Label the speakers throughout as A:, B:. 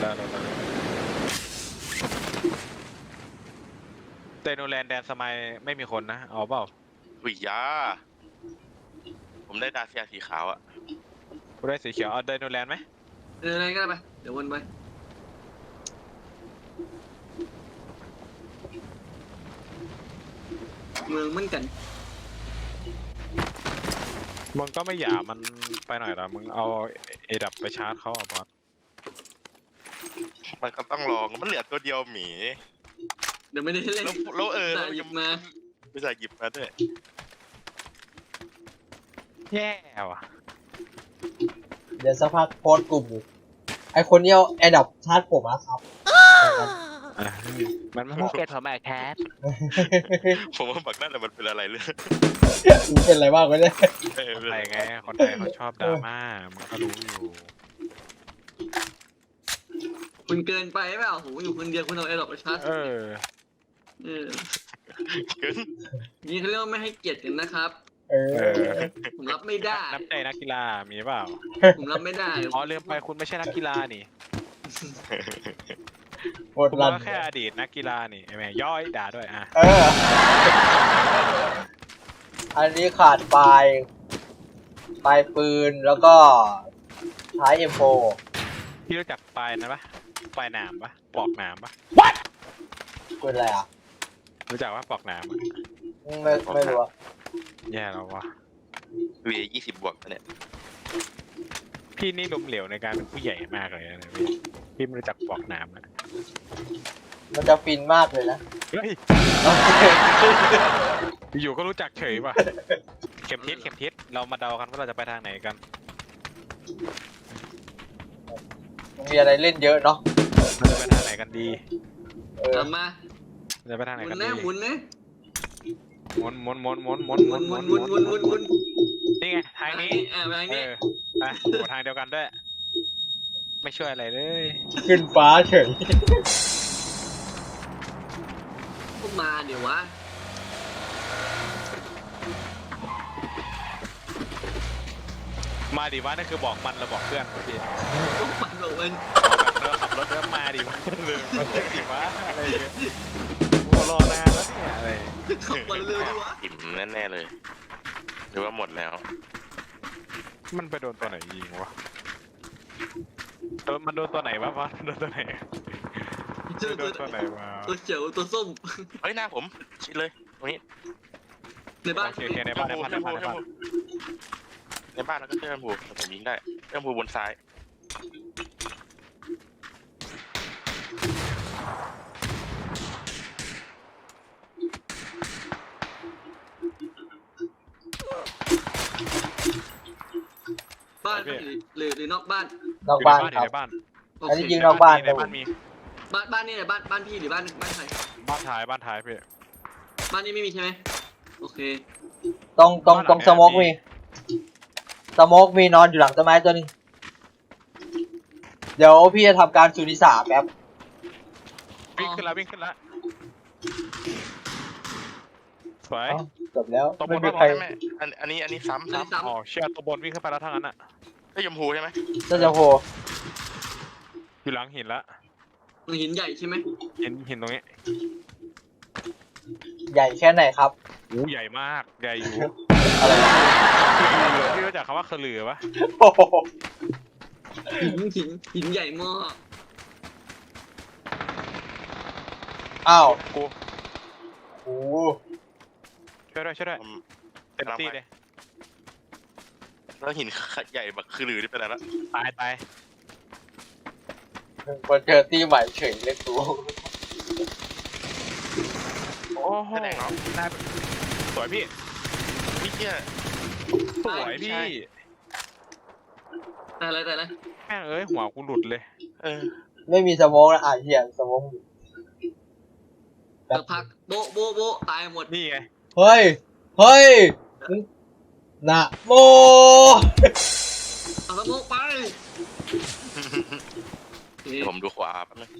A: แล้วเตโนแลนด์แดนสมัยไม่มีคนนะเอาเปล่า
B: หุยยาผมได้ดาเซียสีขาวอะ
A: กูได้สีเขียวเอาเตโนแลนด์ไหม
C: อะไรก็ได้ไปเดี๋ยววนไปเมืองเหมือนกัน
A: มึงก็ไม่หยามันไปหน่อยละมึงเอาเอดับไปชาร์จเขาอ่ะบอส
B: มันก็ต้องลองมันเหลือตัวเดียวหมี
C: เดี๋ยวไม่ได้เล่น
B: แล้ว
C: หยิบมา
B: ไม่ใช่หยิบมาด้วย
A: แย่ว่ะ
D: เดี๋ยวสักพักโพสต์กลุ่มไอคนนี้เอาแอดดับชาร์จผมนะครับ
A: มันไม่เก็ตผมแอบแคส
B: ผมว่าบักนั่นแหละมันเป็นอะไรเลย
D: เป็นอะไรบ้างวะเนี่ย
A: อะไรไงคนไทยเขาชอบดราม่ามันก็รู้อยู่
C: คุณเกินไปเปล่าโหอยู่คนเดียวคุณเอาไอ้ดอกไปชาร์จนี่เขาเรียกว่าไม่ให้เกียรติกันนะครับผมรับไม่ได้
A: นับใจนักกีฬามีเปล่า
C: ผมรับไม่ได้
A: อ๋อลืมไปคุณไม่ใช่นักกีฬานี่
D: คุณ
A: ก็แค่อดีตนักกีฬานี่แม่ย่อยด่าด้วยอ่ะ
D: อันนี้ขาดปลายปืนแล้วก็ท้าย M4
A: พี่รู้จักปลายนะปะปลายหนามปะปลอกหนามปะ
D: ปืนอะไรอ่ะ
A: รู้จักว่าปลอกหนาม
D: ไม่รู้
A: แย่แล้ววะ
B: 20 บวกเนี่ย
A: พี่นี่ล้มเหลวในการเป็นผู้ใหญ่มากเลยนะพี่ไม่รู้จักปลอกหนามนะ
D: มันจะฟินมากเลยนะ
A: เฮ้ยอยู่ก็รู้จักเฉยป่ะเข็มทิศเรามาเดากันว่าเราจะไปทางไหนกัน
D: มีอะไรเล่นเยอะเนาะ
A: เราจะไปทางไหนกันดี
C: มา
A: จะไปทางไหนกันดี
C: หมุนนะ
A: หมุนนี่ไงทางนี้
C: ทางนี้
A: ทางเดียวกันด้วยไม่ช่วยอะไรเลย
D: ขึ้นฟ้าเฉย
C: ก็มาเดี๋ยววะ
A: มาดิวะนั่นคือบอกมันเราบอกเพื่อนพี่
C: ก็มันบอกมัน
A: เราขับรถเริ่มมาดิวะลืมมันดิวะอะไรอย่างเงี้ยโอ้รอนานแล้วเนี่ยอะไร
C: ขับมาเร็วดิวะ
B: อิ่มแน่ๆเลยหรือว่าหมดแล้ว
A: มันไปโดนตัวไหนยิงวะมันโดนตัวไหนวะโดนตัวไหนโดนตัวไหนวะ
C: ตัวเขียวตัวส้ม
B: เฮ้ยหน้าผมชิดเลยตรงนี้
C: ในบ้าน
A: โอเคในบ้าน
B: แล้วก็เชื่อมผูผมยิงได้เชื่อมผูบนซ้าย
C: บ้านหรือนอกบ้าน
D: นอกบ้านครับอันนี้ยิงนอกบ้าน
A: ในบ้านมี
C: บ้านนี่แหละบ้านพี่หรือบ้านใคร
A: บ้านท้ายพี่
C: บ้านนี้ไม่มีใช่ไหมโอเค
D: ตรงสโมกมีนอนอยู่หลังต้นไม้ตัวนึงเดี๋ยวพี่จะทำการสุนิสาแป๊บ
A: วิ่งขึ้นแล้วสวย
D: จบแล้ว
B: ไม่มีใครอันนี้ซ้ำ
A: อ๋อเชื่อตัวบนวิ่งขึ้นไปแล้วทั้งนั้นอ่ะ
B: ไอ้ยมพูใช่ไหม
D: ก็จะโห
A: อยู่หลังหินละ
C: หินใหญ่ใช่ไหม
A: หินตรงนี้
D: ใหญ่แค่ไหนครับ
A: โอ้ใหญ่มากใหญ่อยู่
D: อะไร
A: พี่รู้จักคำว่าคือลือปะ
C: หินใหญ่มาก
D: อ้าว
A: กู
D: โอ้
A: ช่วยด้วยเต็มที่เลย
B: แล้วหินใหญ่แบบคือลือที่เป็นอะไรละ
A: ตาย
D: มาเจอตีใหม่เฉยเล็กตัว
A: โอ้โหสวยพี่
B: เนี่ย
A: สวยพี่
C: แต่อะไร
A: แม่งหัวกูหลุดเลย
D: ไม่มีสโมกนะเหี้ยสโมก
C: สักพักโบตายหมด
A: นี่ไง
D: เฮ้ยนะโม
C: เอาสโมกไป
B: ผมดูขวาแป๊บนึง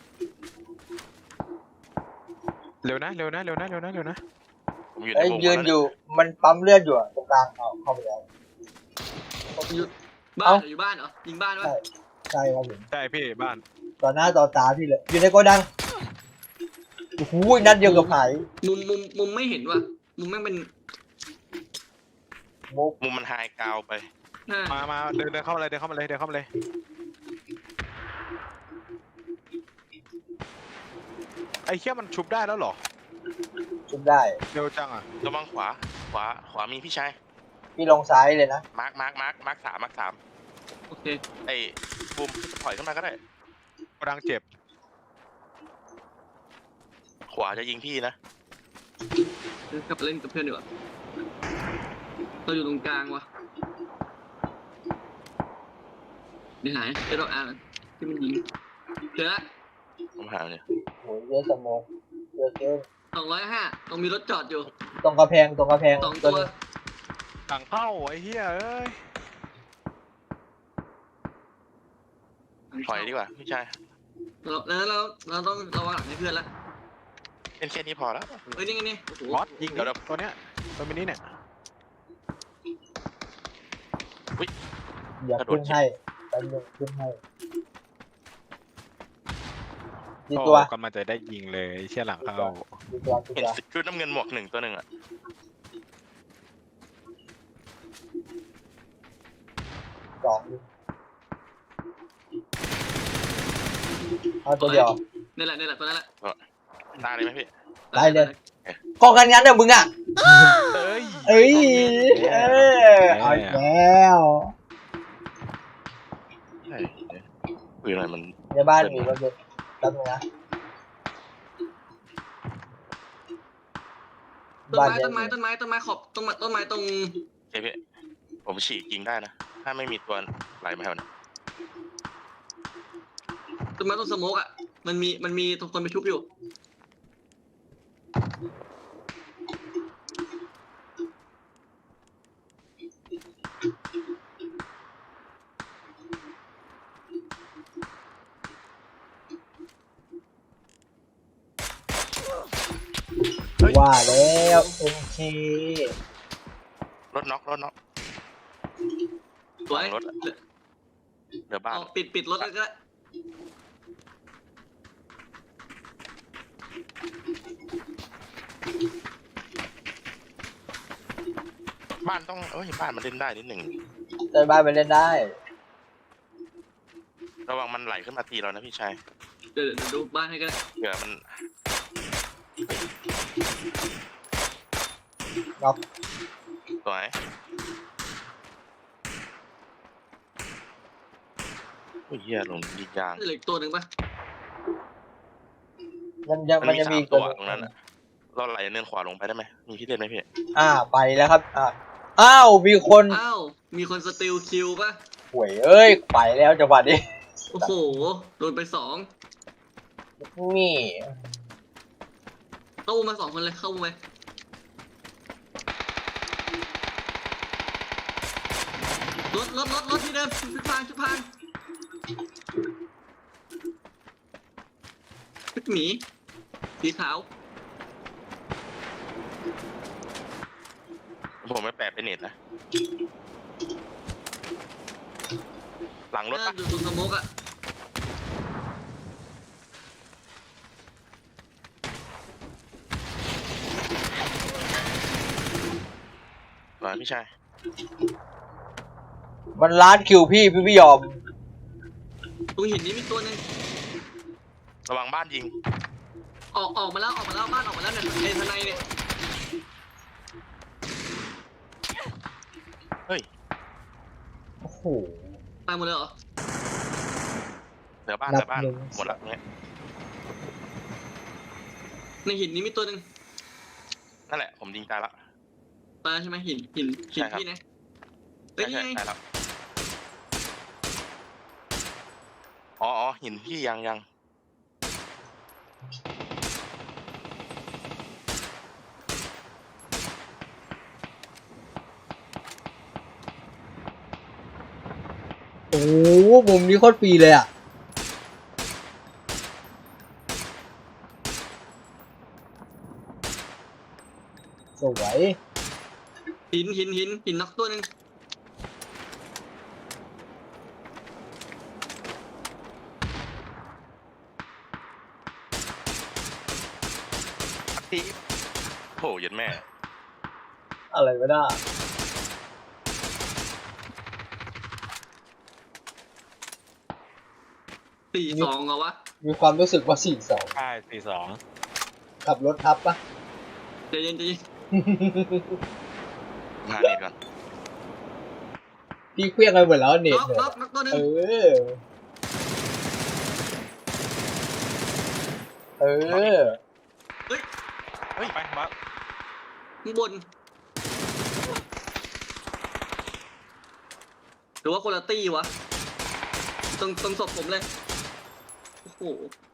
A: เร็วนะ
B: ผมอยู่
D: ในยืนอยู่มันปั๊มเลือดอยู่ตรงกลางเข้าไปแล้ว
C: อยู่บ้านเหรอยิงบ้านวะ
D: ใช่ครับผม
A: ใช่พี่บ้าน
D: ต่อหน้าต่อตาพี่เลยอยู่ในโกดังโอ้โหนัดเดียวกับหาย
C: มุมไม่เห็นว่ะมุมแม่งเป็น
D: มุก
B: มุมมันไฮกราวไป
A: มาเดินเข้ามาเลยเดินเข้ามาเลย ไอ้เหี้ยมันชุบได้แล้วเหรอ
D: ชุบได้
A: เร็วจังอ่ะ
B: ระวังขวามีพี่ชาย
D: พี่ลงซ้ายเลยนะ
B: มาร์คสาม
C: โอเค
B: ไอ้บูมถอยขึ้นมาก็ได้
A: กำลังเจ็บ
B: ขวาจะยิงพี่นะ
C: กลับไปเล่นกับเพื่อนดีกว่าเราอยู่ตรงกลางวะเดี๋ยวหายเดี๋ยวเราอ่านที่มันยิงเจอละ
B: ผมหาเนี่ย
D: โหเยอะสมองเยอะเกิน
C: 205ตรงมีรถจอดอยู่
D: ตรงกระแพง
C: 2 ตัว
D: นึง
A: หลังเข้าไอ้เหี้ยเอ้ย
B: ถอยดีกว่าพี่ชาย
C: เราต้องระวังหลังให้เพื่อนละ
B: เป็นแค่นี้พอแล้ว
C: เฮ้ยนี่ไงนี่โอ้โห
A: บอสยิงตัวเนี้ยตัวมินิเนี่ย
D: อย่าขึ้นให้แป๊บนึงขึ้นให้กี่ตัว
A: กำลังจะได้ยิงเลยเชี่ยหลังเข้า
D: กี่ตัว
B: เห็นชุดน้ำเงินหมวก1 ตัวหนึ่งอ่ะ
D: สองเอาตัวเดียว
C: นี่แหละตัวนั้นแหละ
B: ตาเลยไหมพี่
D: ได้เลยกองกันงั้นเด้อมึงอ่ะ
A: เอ้ย
D: เอ้ยเอาอีกแล้ว
B: ใช่ปืนอะไรมัน
D: ในบ้านมีรถยนต์แป๊บนึงนะ
C: ต้นไม้ขอบต้นไม้ตรง
B: ใช่พี่ผมฉีกยิงได้นะ ถ้าไม่มีตัวไหลมาแถวนี้
C: ต้นไม้ตรงสโมกอ่ะมันมีตรงคนไปชุบอยู่
D: ว่าแล้วโอเค
B: รถน็อก
C: สวย
B: รถเหลือบ้าน
C: ปิดรถแล้วก็
B: บ้านต้องบ้านมันเล่นได้นิดหนึ่ง
D: ในบ้านไปเล่นได้
B: ระวังมันไหลขึ้นมาตีเรานะพี่ชาย
C: เดี๋ยวดูบ้านให้กัน
B: เผื่อมัน
D: น็อก
B: สวยโอ้ยเหี้ยลงยิงยาง
C: เหลืออีกตัวหนึ่งปะ
D: มันจะ
B: มันมี
D: มี
B: 3 ตัวตรงนั้นอ่ะเราไหลเนินขวาลงไปได้ไหมมีพี่เล่นไหมพี่
D: ไปแล้วครับอ้าวมีคน
C: อ้าวมีคนสติลคิวปะ
D: ห่วยเอ้ยไปแล้วจังหวะนี้
C: โอ้โหโดนไป2
D: นี่
C: เข้ามา2 คนเลยเข้ามารถที่เดิมชุดพางชุดหมีสีขาว
B: ผมไม่แปะเป็นเน็ตนะ หลังรถปะ
C: อยู่ตรงสโมกอ่ะ
B: มาพี่ชาย
D: มันล้านคิวพี่ไม่ยอม
C: ตรงหินนี้มีตัวหนึง
B: ระวังบ้านยิง
C: ออกมาแล้วบ้านออกมาแล้วเนี่ยในทนายเนี่ย
B: เฮ้ย
D: โอ้โห
C: ตายหมดเลยเหรอ
B: เหลือบ้าน
D: นับหนึ่ง
B: หมดละเนี่ย
C: ในหินนี้มีตัวหนึ่ง
B: นั่นแหละผมยิงตายละ
C: ตายใช่ไหมหิน
B: ใช่ครับ
C: พี่นะเฮ้ย
B: ใช่
C: นี่ไง
B: ตายแล้วอ๋อหินพี่ยัง
D: โอ้โหมุมนี้โคตรฟรีเลยอ่ะสวย
C: หินน็อกตัวหนึ่ง
B: ที่โหยันแม่
D: อะไรไม่ได้
C: 4-2เหรอวะ
D: มีความรู้สึกว่า4-2
A: ใช่4-2
D: ขับรถทับปะ
C: ใจเย็น
B: หาเน็ตก่อน
D: พี่เคลี้ยงไปหมดแล้วเน็ต
C: น็อก
D: เนี่ย
C: น็อกตัวหนึง
D: เออ เออ
C: เฮ้ย
A: เฮ้ยไปมา
C: ข้างบนหรือว่าคนละตี้วะตรงศพผมเลยโอ้โห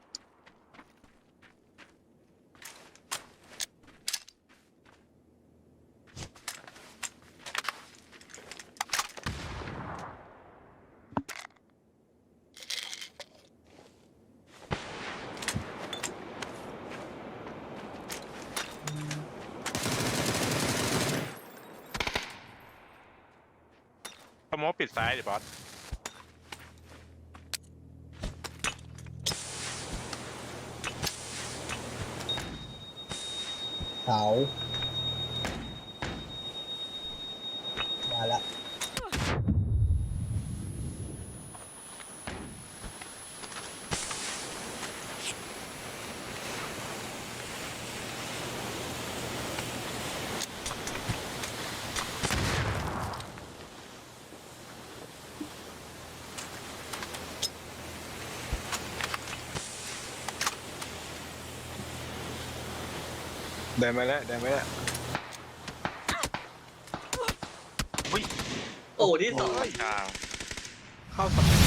A: สโมกปิดซ้ายดิบอส
D: เสามาละ
A: เดินมาแล้วเดินมาแล้ว
C: โอ้ที่สอง
B: กลาง
A: เข้าสอง